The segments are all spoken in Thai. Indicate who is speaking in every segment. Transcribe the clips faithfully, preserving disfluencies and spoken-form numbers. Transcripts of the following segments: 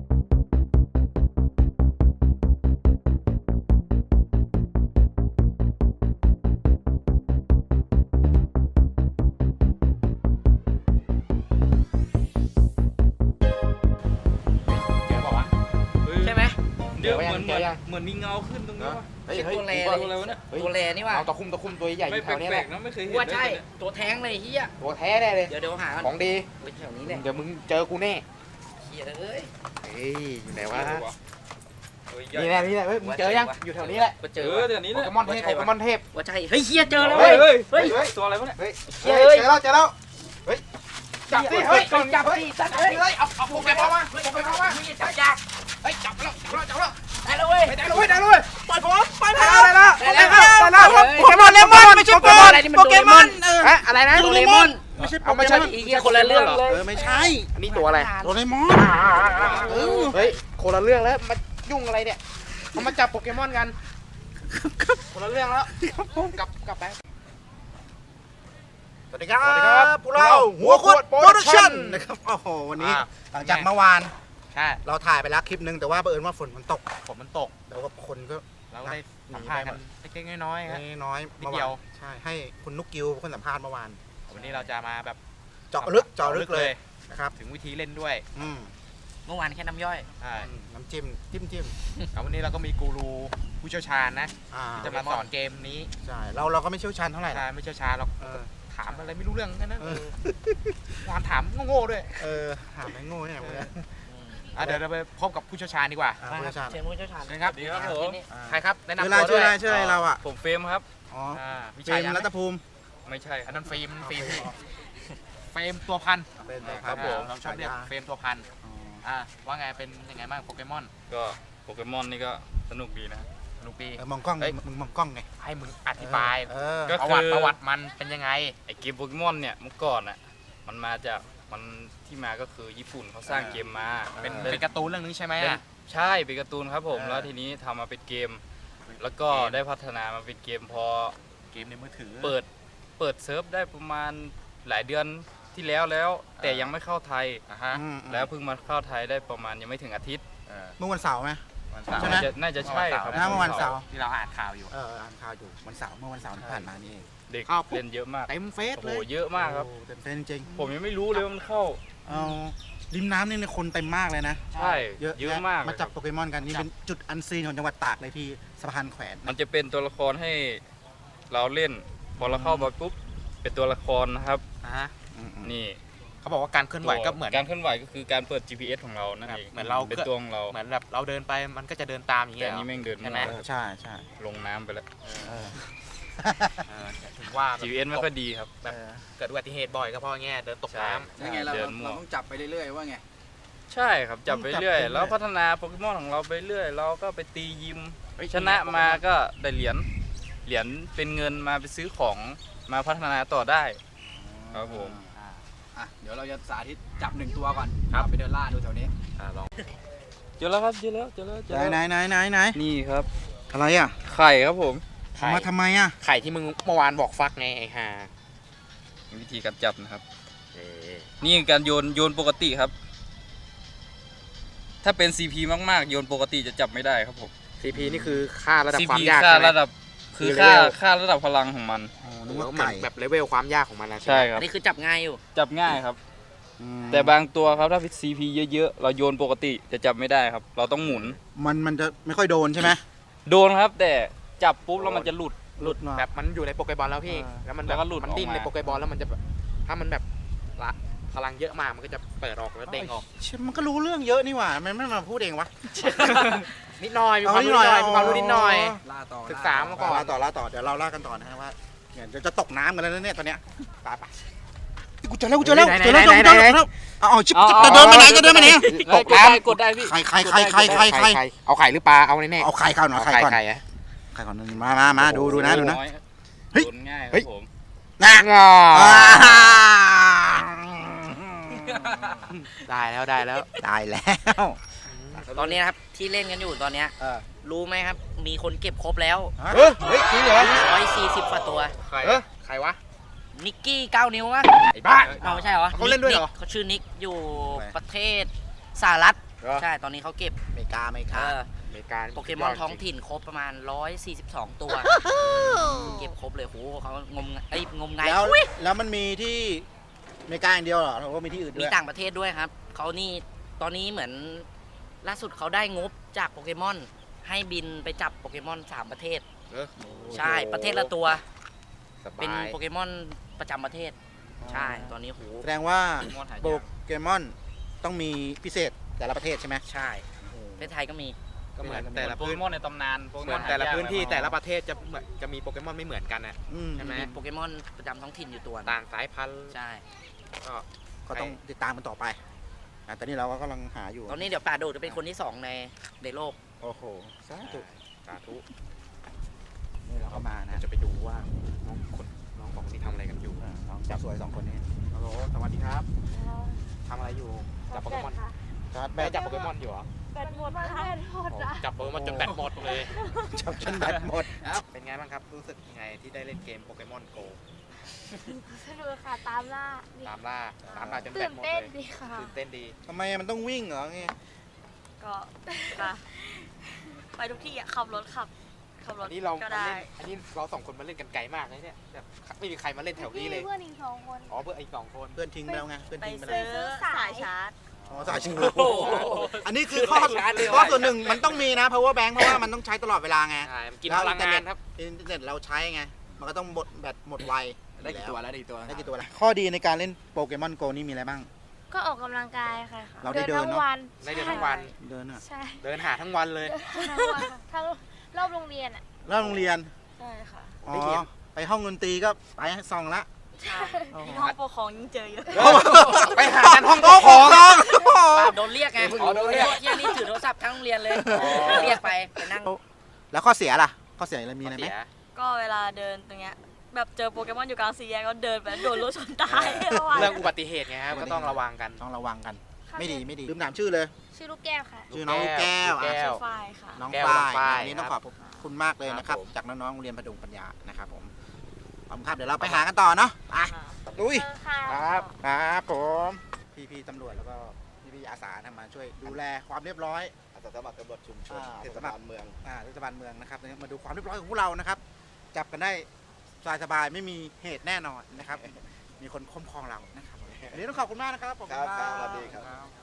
Speaker 1: เดี๋ยวเหมือนเหมือนเหมือนมีเงาขึ้นตรงนี้วะเฮ้ยตัวแรอะไรวะเนี่ย
Speaker 2: ตัวแรนี่ว่ะ
Speaker 1: ตะคุ่มตะคุ่มตัวใหญ่อยู่แถวนี้แหละ
Speaker 2: ไม่แปลกๆนะไม่เคยเห็นว่าใช่ตัวแท้งเลยเฮีย
Speaker 1: ตัวแท้แน่เลย
Speaker 2: เดี๋ยวเดี๋ยวหา
Speaker 1: ของดี
Speaker 2: แถวนี้แหละ
Speaker 1: เดี๋ยวมึงเจอกูแน่
Speaker 2: เฮียเอ้ย
Speaker 1: เฮ้ยอยู่ไหนวะนี่แหละนี่แหละเฮ้ยมึงเจอยังอยู่แถวนี้แหละ
Speaker 2: เจอ
Speaker 1: เดี๋ยวนี้โปเกมอนเทพโปเกมอนเทพ
Speaker 2: ว่าใช่เฮ้ยเฮียเจอแล้ว
Speaker 1: เฮ้ย
Speaker 2: เฮ้ย
Speaker 1: ตัวอะไรวะเนี่ยเฮ้ยเจอแล้วเจอแล้วเฮ้ยจับดิเฮ้ย
Speaker 2: จับดิจับเลย
Speaker 1: เฮ้ยเอาเอาโปเกมอนมาโปเกมอนมา
Speaker 2: จับจับ
Speaker 1: เฮ้ยจับแล้วจับแล้วจับแล้ว
Speaker 2: ได้แล้วเว้ย
Speaker 1: ได้แล้วเว้ยได้แล้วเว้ย
Speaker 2: ปล่อยผมปล่อยผม
Speaker 1: ได้แล้วได้แล้วได้แล้ว
Speaker 2: โปเกมอนเลมอนไม่ใช่โปเกมอนโปเกมอนเออ
Speaker 1: อะไรนะ
Speaker 2: โดเรมอน
Speaker 1: ไม่ใช่เอาไม่ใช่
Speaker 2: อีกคนละเรื่องเลย
Speaker 1: เออไม่ใช่นี่ตัวอะไร
Speaker 2: โดเรมอน
Speaker 1: เฮ้ยคนละเรื่องแล้วมายุ่งอะไรเนี่ยเขามาจับโปเกมอนกันคนละเรื่องแล้วกลับกลับไป
Speaker 3: สวัสดีครับพวกเราหัวขวดโปรดักชั่นนะครับโอ้โหวันนี้หลังจากเมื่อวาน
Speaker 1: ใช่
Speaker 3: เราถ่ายไปแล้วคลิปนึงแต่ว่าบังเอิญว่าฝนมันตก
Speaker 1: ฝนมันตก
Speaker 3: แล้วก็คนก็
Speaker 1: เราได้สัมภาษณ์กันเล็กๆน้อยๆครับ
Speaker 3: น้อย
Speaker 1: นิดเดียว
Speaker 3: ใช่ให้คุณนุกกิวคนสัมภาษณ์เมื่อวาน
Speaker 1: วันนี้เราจะมาแบบ
Speaker 3: เจาะลึกเจาะลึกเลยนะครับ
Speaker 1: ถึงวิธีเล่นด้วย
Speaker 2: เมื่อวานแค่น้ำย่อย
Speaker 1: ใช่
Speaker 3: น้ำจิ้มจิ้มจิ้ม
Speaker 1: วันนี้เราก็มีกูรูผู้เชี่ยวชาญนะจะมาสอนเกมนี้
Speaker 3: ใช่เราเราก็ไม่เชี่ยวชาญเท่าไหร่
Speaker 1: ใช่ไม่เชี่ยวชาญเราถามอะไรไม่รู้เรื่องกันนะวานถามโง่ๆด้วย
Speaker 3: เออถามไม่โง่เนี่ย
Speaker 1: เดี๋ยวเราไปพบกับผู้เชี่ยวชาญดีกว่า
Speaker 3: ผู้เชี่ยวชาญ
Speaker 2: เชิญผู้เชี่ยวชาญ
Speaker 1: นะครับดีครับผมใครครับแนะนำ
Speaker 3: ตัวด้วยชื่ออะไรเราอ่ะ
Speaker 4: ผมเฟรมครับ
Speaker 3: อ๋อเฟรมรัตภูมิ
Speaker 4: ไม่ใช่
Speaker 1: อันนั้นฟิล์มฟิล์มเฟรมตัวพัน
Speaker 3: ครับผม
Speaker 1: เราชอบเรียกเฟรมตัวพันอ่าว่าไงเป็นยังไงบ้างโปเกมอน
Speaker 4: ก็โปเกมอนนี่ก็สนุกดีนะ
Speaker 1: สนุกดี
Speaker 3: มองกล้องมึงมองกล้องไง
Speaker 1: ให้มึงอธิบาย
Speaker 4: ก็
Speaker 1: ประวัติประวัติมันเป็นยังไง
Speaker 4: ไอเกมโปเกมอนเนี่ยเมื่อก่อนอ่ะมันมาจากมันที่มาก็คือญี่ปุ่นเขาสร้างเกมมา
Speaker 1: เป็นเป็นการ์ตูนเรื่องนึงใช่ไหมอ่ะ
Speaker 4: ใช่เป็นการ์ตูนครับผมแล้วทีนี้ทำมาเป็นเกมแล้วก็ได้พัฒนามาเป็นเกมพอ
Speaker 1: เกมในมือถือ
Speaker 4: เปิดเปิดเซิร์ฟได้ประมาณหลายเดือนที่แล้วแล้วแต่ยังไม่เข้าไทยแล้วเพิ่งมาเข้าไทยได้ประมาณยังไม่ถึงอาทิตย์
Speaker 3: เมื่อวันเสาร์ไหม
Speaker 4: ใช่ไหมน่าจะใช่ครับ
Speaker 3: เมื่อวันเสาร์
Speaker 1: ที่เราอ่านข่าวอยู่
Speaker 3: เอออ่านข่าวอยู่วันเสาร์เมื่อวันเสาร์ที่ผ่านมานี่เอง
Speaker 4: เด็กเล่นเยอะมาก
Speaker 3: เต็มเฟซเลย
Speaker 4: โอ้เยอะมากครับ
Speaker 3: เต็มเฟซจริง
Speaker 4: ผมยังไม่รู้เลยว่ามันเข้า
Speaker 3: เอาริมน้ำนี่คนเต็มมากเลยนะ
Speaker 4: ใช่เยอะเยอะมาก
Speaker 3: มาจับโปเกมอนกันนี่เป็นจุดอันซีนของจังหวัดตากเลยพี่สะพานแขวน
Speaker 4: มันจะเป็นตัวละครให้เราเล่นพอเราเข้าไปปุ๊บเป็นตัวละครนะครับนี่
Speaker 1: เขาบอกว่าการเคลื่อนไหวก็เหมือน
Speaker 4: การเคลื่อนไหวก็คือการเปิด จี พี เอส ของเรานั่นเอง
Speaker 1: เหมือนเรา
Speaker 4: เป็นตัวของเรา
Speaker 1: เหมือนแบบเราเดินไปมันก็จะเดินตามอย่างเงี้ย
Speaker 4: แต่นี้แม่งเดิน
Speaker 1: ใช่ไหม
Speaker 3: ใช่ใช่
Speaker 4: ลงน้ำไปแล้ว
Speaker 1: ถึงว่า
Speaker 4: จี พี เอส ไม่ค่อยดีครับ
Speaker 1: แบบเกิดอุบัติเหตุบ่อยก็เพราะเงี้ยเดินตกน้ำ
Speaker 2: ยังไงเราเราต้องจับไปเรื่อยๆว่าไง
Speaker 4: ใช่ครับจับไปเรื่อยแล้วพัฒนาโปเกมอนของเราไปเรื่อยเราก็ไปตียิมชนะมาก็ได้เหรียญเหรียญเป็นเงินมาไปซื้อของมาพัฒนาต่อได้ครับผม
Speaker 2: อ่ะเดี๋ยวเราจะสาธิตจับหนึ่งตัวก่อนครับไปเดินล่าดูแถวนี้
Speaker 4: อ่าลองเจอแล้วครับเจอแล้วเจอแล้วเจอแล้ว
Speaker 3: ไหนไหนไหนไหน
Speaker 4: นี่ครับ
Speaker 3: อะไรอ่ะ
Speaker 4: ไข่ครับผม
Speaker 3: มาทำไมอ่ะ
Speaker 1: ไข่ที่มึงเมื่อวานบอกฟักไงไอ้ห่า
Speaker 4: วิธีการจับนะครับนี่การโยนโยนปกติครับถ้าเป็น ซี พี มากๆโยนปกติจะจับไม่ได้ครับผม
Speaker 1: ซี พี นี่คือค่าระดับความยาก
Speaker 4: ค่าระดับคือค่าค่าระดับพลังของมัน
Speaker 1: นึกว่าไก่แบบเลเวลความยากของมันนะ
Speaker 4: ใช่ครับ
Speaker 2: อันนี้คือจับง่ายอยู่
Speaker 4: จับง่ายครับแต่บางตัวครับถ้า ซี พี เยอะๆเราโยนปกติจะจับไม่ได้ครับเราต้องหมุน
Speaker 3: มันมันจะไม่ค่อยโดนใช่ไหม
Speaker 4: โดนครับแต่จับปุ๊บแล้วมันจะหลุด
Speaker 1: หลุดแบบมันอยู่ในโปเกบอลแล้วพี่แล้วมันแบบมันดิ้นในโปเกบอลแล้วมันจะถ้ามันแบบละพลังเยอะมากมันก็จะเปิดออกแล้วเด้งออก
Speaker 3: มันก็รู้เรื่องเยอะนี่หว่ามันไม่มาพูดเองวะ
Speaker 1: นิดหน่อยมีความรู้นิดหน่อยมีความรู้นิดหน่อยศึกษามาก่อน
Speaker 3: ล่าต่อล่าต่อเดี๋ยวเราล่ากันต่อนะฮะว่าเนี่ยจะตกน้ำกันแล้วเนี่ยตอนเนี้ยไปไปกูเจอแล้วกูเจอแล้วเจอแล้วเจอแล้วเอาชิบจะเดินไปไหนจะเดินไปไหน
Speaker 4: ตกน้ำกดได้พี่
Speaker 3: ไข่ไข่ไข่ไข่ไข่ไข่
Speaker 1: เอาไข่หรือปลาเอาแน่
Speaker 3: เอาไข่ก่อนหน่อยไข่ก่อนไข่ไข่ก่อนมามามาดูดูนะดูนะ
Speaker 4: เฮ้ยง่ายครับผม
Speaker 3: นะ
Speaker 1: ได้แล้วได้แล้ว
Speaker 3: ได้แล้ว
Speaker 2: ตอนนี้นะครับที่เล่นกันอยู่ตอนนี้รู้ไหมครับมีคนเก็บครบแล้ว
Speaker 1: เฮ้ยจริงเหรอ
Speaker 2: ร้อยสี่สิบกว่าตัว
Speaker 1: ใครใครวะ
Speaker 2: นิกกี้เก้านิ้ววะ
Speaker 1: ไอ้บ้า
Speaker 2: เอาไม่ใช่เหรอ
Speaker 1: เขาเล่นด้วยเหรอ
Speaker 2: เขาชื่อนิกอยู่ประเทศสหรัฐใช่ตอนนี้เขาเก็บ
Speaker 3: อเมริกาอเมริ
Speaker 2: เอก
Speaker 3: า
Speaker 2: อ
Speaker 1: อเมริกา
Speaker 2: โปเกมอนท้องถิ่นครบประมาณหนึ่งร้อยสี่สิบสองตัวเก็บครบเลยโหเขางมไอ้ยงมงาย
Speaker 3: แล้ว
Speaker 2: อุ๊ย
Speaker 3: แล้วมันมีที่อเมริกาอย่างเดียวเหรอหรือว่ามีที่อื่นด้
Speaker 2: มี
Speaker 3: วย
Speaker 2: ต่างประเทศด้วยครับเขานี่ตอนนี้เหมือนล่าสุดเขาได้งบจากโปเกมอนให้บินไปจับโปเกมอนสามประเทศ
Speaker 1: เออ
Speaker 2: ใช่ประเทศละตัว
Speaker 1: สบาย
Speaker 2: เป็นโปเกมอนประจำประเทศ ใช่ตอนนี้โห
Speaker 3: แสดงว่า
Speaker 4: โปเกมอนหายาก
Speaker 3: โปเกมอนต้องมีพิเศษแต่ละประเทศใช่ไหม
Speaker 2: ใช่ประเทศไทยก็มี
Speaker 1: ก็เหมือน
Speaker 4: แต่
Speaker 1: แต่
Speaker 4: ละ
Speaker 1: ละ
Speaker 4: โป
Speaker 1: พื้
Speaker 4: เก
Speaker 1: น
Speaker 4: มอนในตำนานโปเก
Speaker 1: เห
Speaker 4: ม
Speaker 1: มื
Speaker 4: อ
Speaker 1: อน นแต่ละ
Speaker 4: หายาก
Speaker 1: พื้นที่
Speaker 4: เลย
Speaker 1: แต่ละประเทศจะเหมือนจะมีโปเกมอนไม่เหมือนกันอ่ะ
Speaker 3: อืม
Speaker 1: ใช่ไหม
Speaker 2: มีโปเกมอนประจำท้องถิ่นอยู่ตัวหนึ่ง
Speaker 1: ต่างสายพันธุ์
Speaker 2: ใช่
Speaker 1: ก็
Speaker 3: ก็ต้องติดตามกันต่อไปอ่ะตอนนี้เราก็กำลังหาอยู่
Speaker 2: ตอนนี้เดี๋ยวป่าโดดจะเป็นคนที่สองในในโลก
Speaker 3: โอ้โหสาธุ
Speaker 1: สาธุ
Speaker 3: นี่เราก็มานะ
Speaker 1: จะไปดูว่าน้องคนน้องสองคนนี้ทำอะไรกันอยู่
Speaker 3: อ่าน้องจับสวยสองคนนี้
Speaker 1: ฮัลโหลสวัสดีครับทำอะไรอยู่จับโปเกมอน
Speaker 3: ชาร์จแบ
Speaker 1: แม่
Speaker 3: ต
Speaker 1: จับโปเกมอนอยู่เหรอ
Speaker 5: แบตหมดค่ะแบตหมดอ่ะ
Speaker 1: จับโปเกมอนจนแบตหมดเลย
Speaker 3: จับจนแบตหมด
Speaker 1: เป็นไงบ้างครับรู้สึกยังไงที่ได้เล่นเกมโปเกมอนโก
Speaker 5: สนุกค่ะตามล่านี่
Speaker 1: ตามล่าตามล่าจนแบ
Speaker 5: ตื่
Speaker 1: ต
Speaker 5: น
Speaker 1: หมด
Speaker 5: เต้น
Speaker 1: เลย
Speaker 5: ดีค่ะ
Speaker 1: ตื่นเต้นดี
Speaker 3: ทำไมมันต้องวิ่งเหรอไง
Speaker 5: ก็ค่ะ ไปทุกที่อ่ะขับรถขับขับร
Speaker 1: อั
Speaker 5: ถ
Speaker 1: นนี้เรา
Speaker 5: ก็
Speaker 1: มา
Speaker 5: ได้
Speaker 1: เล่นอันนี้เราสองคนมาเล่นกันไกลมากเลยเนี่ยแบบไม่มีใครมาเล่นแถวนี้เลย
Speaker 5: เพื่อนอีกสองคน
Speaker 1: อ๋อเพื่อนอีกสองคน
Speaker 3: เพื่อนทิ้งไปแล้วไงเพื่อน
Speaker 5: ไป
Speaker 3: ทิ้งไป
Speaker 5: ซื้
Speaker 3: แล้ว
Speaker 5: อสายชาร์จ
Speaker 3: อ๋อสายชิงโอ้อันนี้คือข้อข้อส่วนหนึ่งมันต้องมีนะ power bank เพราะว่ามันต้องใช้ตลอดเวลาไง
Speaker 1: ใช่มันกินพลังงานครับ
Speaker 3: อินเทอร์เน็ตเราใช้ไง มันก็ต้องหมดแบตหมดไว
Speaker 1: ได้กี่ตัวแล้วได้กี่ตัว
Speaker 3: ได้กี่ตัวละข้อดีในการเล่นโปเกมอนโกนี่มีอะไรบ้าง
Speaker 5: ก็ออกกำลังกายค่ะ
Speaker 3: เราได้เดิน
Speaker 5: ทั้
Speaker 3: เนอะ
Speaker 5: งวัน
Speaker 1: ได้เดินทั้งวัน
Speaker 3: เดินอ่ะ
Speaker 5: ใช่
Speaker 1: เดินหาทั้งวันเลย
Speaker 5: ทั้งวันค่ะทั้งรอบโรงเรียนอ่ะ
Speaker 3: แล้วโรงเรียน
Speaker 5: ใช่ค่ะ
Speaker 3: อ๋อ
Speaker 1: ได้เรียน
Speaker 3: ไปห้องดนตรีก็ไปส่องละ
Speaker 5: ใช่ที่ห้องปกครองยิ่งเจอเยอะ
Speaker 1: ไปหากันห้องปกครอง
Speaker 2: ป่าโดนเรียกไง
Speaker 1: อ๋อโดนเรียก
Speaker 2: ที่นี่ถือโทรศัพท์ทั้งโรงเรียนเลยเรียกไปไปนั่ง
Speaker 3: แล้วข้อเสียล่ะ ข้อเสียอะไรมีอะไรไหม
Speaker 1: เสีย
Speaker 5: ก็เวลาเดินตรงเนี้ยแบบเจอโปเกมอนอยู่กลางสี่แยกก็เดินไปโดนรถชนตายระหว่าง
Speaker 1: เรื่องอุบัติเหตุไงครับก็ต้องระวังกัน
Speaker 3: ต้องระวังกัน ไม่ดีไม่ดีลืมถามชื่อเลย
Speaker 5: ชื่อลูกแก้วค่ะ
Speaker 3: ชื่อน้องลูกแก้ว
Speaker 1: ลูกแก้
Speaker 3: อ่ะ
Speaker 1: ว
Speaker 5: ฝ้ายค่ะ
Speaker 3: น้อง
Speaker 1: แก้ว
Speaker 3: ฝ้า
Speaker 1: น้องฝ้าย
Speaker 3: ยอันนี้ต้องขอบคุณมากเลยนะครับ
Speaker 1: ครับผม
Speaker 3: จากน้องๆโรงเรียนพดุงปัญญานะครับผมขอบคุณครับเดี๋ยวเราไปหากันต่อเนาะไปลุย
Speaker 5: เออค่ะ
Speaker 3: ครับครับผมพี่ๆตำรวจแล้วก็พี่ๆอาสาทำมาช่วยดูแลความเรียบร้อย
Speaker 6: อาสาสมัครตำรวจชุมชน
Speaker 3: อ่า
Speaker 6: เทศบาลเมือง
Speaker 3: อ่าเทศบาลเมืองนะครับมาดูความเรียบร้อยของพวกเรานะครับ จับกันได้สบายๆไม่มีเหตุแน่นอนนะครับ มีคนคุ้มครองเรานะครับวันนี้ต้องขอบคุณมากนะครับผม
Speaker 6: ครับครับสวัสดีครับ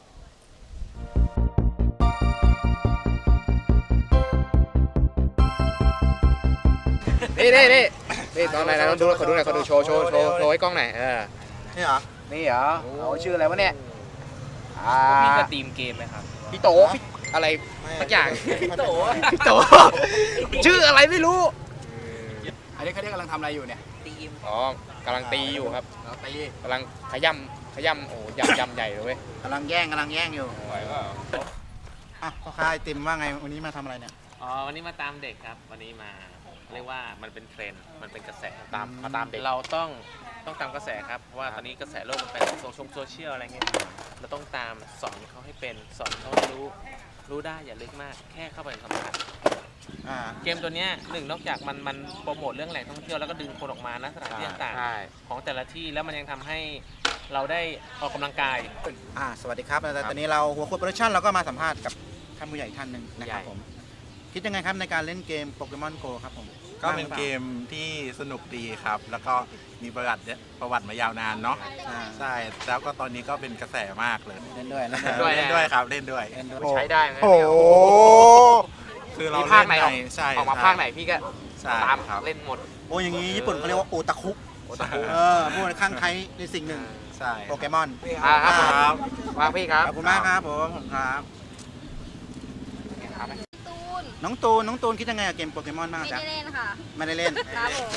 Speaker 1: นี่นี่นี่นี่ตอนไหนนะดูขอดูหน่อยขอดูโชว์โชว์โชว์โชว์ให้กล้องหน่อยเออ
Speaker 3: นี่เหรอ
Speaker 1: นี่เหรอเอาชื่ออะไรวะเนี่ยอ่า
Speaker 4: มีสตรีมเกมไหมครับ
Speaker 1: พี่โตพี่อะไร สักอย่าง
Speaker 3: พี่โต
Speaker 1: พี่โตชื่ออะไรไม่รู้
Speaker 6: อันนี้เขาเรียกกำลังทำอะไรอยู่เนี่ย
Speaker 2: ตีม
Speaker 1: อ๋อกำลังตีอยู่ครับ
Speaker 6: เราตี
Speaker 1: กำลังขย่ำขย่ำโอ้ยำยำใหญ่เลยเว้ย
Speaker 3: กำลังแย่งกำลังแย่งอยู่
Speaker 1: ไหวเปล่า
Speaker 3: อ่ะพ่อค้าไอติมว่าไงวันนี้มาทำอะไรเนี่ย
Speaker 7: อ๋อวันนี้มาตามเด็กครับ วันนี้มาเรียกว่ามันเป็นเทรนด์มันเป็นกระแส
Speaker 1: ตามมาตามเด็ก
Speaker 7: เราต้องต้องตามกระแสครับเพราะว่าตอนนี้กระแสโลกมันไปโซเชียลโซเชียลอะไรเงี้ยเราต้องตามสอนเขาให้เป็นสอนเขาให้รู้รู้ได้อย่าลึกมาก แค่เข้าไปสัมผัส
Speaker 3: อ่า
Speaker 7: เกมตัวเนี้ยหนึ่งนอกจากมันมันโปรโมทเรื่องแหล่งท่องเที่ยวแล้วก็ดึงคนออกมานะสถานที่ต่าง
Speaker 1: ใช่
Speaker 7: ๆของแต่ละที่แล้วมันยังทำให้เราได้ออกกำลังกาย
Speaker 3: อ่าสวัสดีครับแต่ตอนนี้เราหัวโคโปรดักชั่นเราก็มาสัมภาษณ์กับท่านผู้ใหญ่ท่านหนึ่งนะครับผมคิดยังไงครับในการเล่นเกมโปเกมอนโกครับผม
Speaker 8: ก็เป็นเกมที่สนุกดีครับ แล้วก็มีประวัติเนี่ยประวัติมายาวนานเนาะ
Speaker 3: อ่า
Speaker 8: ใช่ แล้วก็ตตอนนี้ก็เป็นกระแสมากเลย
Speaker 3: เล่นด้วยเล่น
Speaker 1: ด้
Speaker 3: ด้
Speaker 1: ว
Speaker 3: วย ย
Speaker 8: เล่นด้วยครับ เล่นด้วย
Speaker 3: เล่นด้วย
Speaker 1: ใช้ได้ไหม
Speaker 3: โอ้โห
Speaker 8: คือเรา
Speaker 1: มีภาคไหนออก
Speaker 8: เล่ใช่
Speaker 1: ออกมา
Speaker 8: ใช่
Speaker 1: ภาคไหนพี่ก็
Speaker 8: ใช่
Speaker 1: ตาม
Speaker 8: ครับ
Speaker 1: เล่นหมด
Speaker 3: โอ้อย่างนี้ญี่ปุ่นเขาเรียกว่าโอตาคุ
Speaker 1: โอตาคุ
Speaker 3: เออผู้ข้างใครในสิ่งหนึ่ง
Speaker 8: ใช่
Speaker 3: โปเกมอน
Speaker 1: อ่าครับ
Speaker 8: ครับ
Speaker 1: วางพี่ครับ
Speaker 3: ขอบคุณมากครับผมขอบคุณครับ
Speaker 1: เอาไหม
Speaker 5: ตูน
Speaker 3: น้องตูนน้องตูนคิดยังไงกับเกมโปเกมอนบ้าง
Speaker 5: ไม่
Speaker 3: จ๊ะ
Speaker 5: ได้เล่นค่ะ
Speaker 3: ไม่ได้เล่น
Speaker 5: ครับผม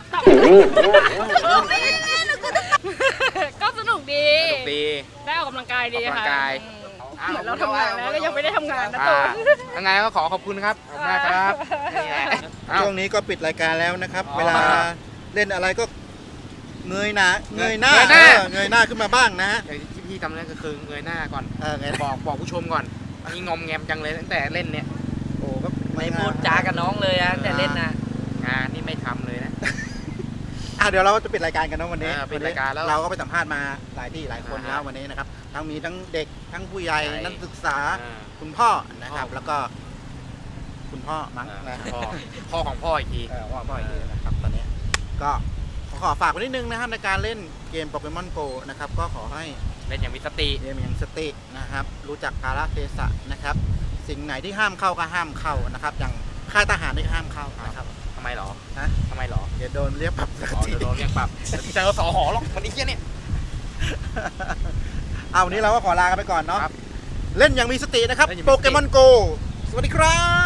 Speaker 5: ไม่ได้เล่นก็สนุกดี
Speaker 1: สนุกดี
Speaker 5: ได้ออกกำลังกายดี
Speaker 1: ออกกำลั
Speaker 5: ค่ะ
Speaker 1: งกาย
Speaker 5: อืมเหมือนเราทำงานแล้วก็ยังไม่ได้ทำงานนะ
Speaker 1: อ่า
Speaker 5: ตูน
Speaker 1: ยังไงก็ขอขอบคุณครับขอบคุณมากครับนี่ไงเอ้า
Speaker 3: ช่วงนี้ก็ปิดรายการแล้วนะครับ
Speaker 1: อ๋อ
Speaker 3: เวลาเล่นอะไรก็เงยหน้าเงยหน้า
Speaker 1: เงยหน้า
Speaker 3: เออเงยหน้าขึ้นมาบ้างนะฮะ
Speaker 1: อย่างที่พี่ทำนั่นก็คือเงยหน้าก่อน
Speaker 3: เออเงยหน้า
Speaker 1: บอกบอกผู้ชมก่อนนี่งอมแงมจังเลยตั้งแต่เล่นเนี่ย
Speaker 3: โอ้ก็
Speaker 2: ไม่พูดจากับน้องเลยอะแต่เล่นนะ
Speaker 1: งานนี่ไม่ทำเลยนะ
Speaker 3: อ่ะเดี๋ยวเราจะปิดรายการกันเนอะวันนี้
Speaker 1: เออปิดรายการแล้ว
Speaker 3: เราก็ไปสัมภาษณ์มาหลายที่หลายคน
Speaker 1: อ่าฮะ
Speaker 3: แล้ววันนี้นะครับทั้งมีทั้งเด็กทั้งผู้ใหญ่
Speaker 7: ใหญ่
Speaker 3: นักศึกษา
Speaker 7: อ่า
Speaker 3: คุณพ่อนะครับ
Speaker 7: พ่อ
Speaker 3: แล้วก็คุณพ่อมั้ง
Speaker 7: อ่า
Speaker 3: นะ
Speaker 7: พ่อพ่อของพ่ออีกที
Speaker 3: เออว่าพ่ออีกทีนะครับตอนนี้ก็ขอขอฝากไว้นิดนึงนะครับในการเล่นเกมโปเกมอนโกนะครับก็ขอให้
Speaker 7: เล่นอย่างมีสติ
Speaker 3: เกมอย่างสตินะครับ รู้จักกาลเทศะนะครับ สิ่งไหนที่ห้ามเข้าก็ห้ามเข้านะครับ อย่างค่ายทหารนี่ห้ามเข้านะครับ
Speaker 7: ทำไมหรอ
Speaker 3: ฮะ
Speaker 7: ทำไมหรอ
Speaker 3: เดี๋ยวโดนเรียกปรับสัก
Speaker 7: อ๋อ
Speaker 3: ที
Speaker 7: เดี๋ยวโดนเรียกปรับเจอสอหอหรอกมันไอ้เหี้ยเนี่ย
Speaker 3: เอาวันนี้เราก็ขอลากันไปก่อนเนาะ
Speaker 7: ครับ
Speaker 3: เล่นอย่างมีสตินะครับ
Speaker 7: เล่นอย่างมี
Speaker 3: โป
Speaker 7: สติ
Speaker 3: เกมอนโกสวัสดีครับ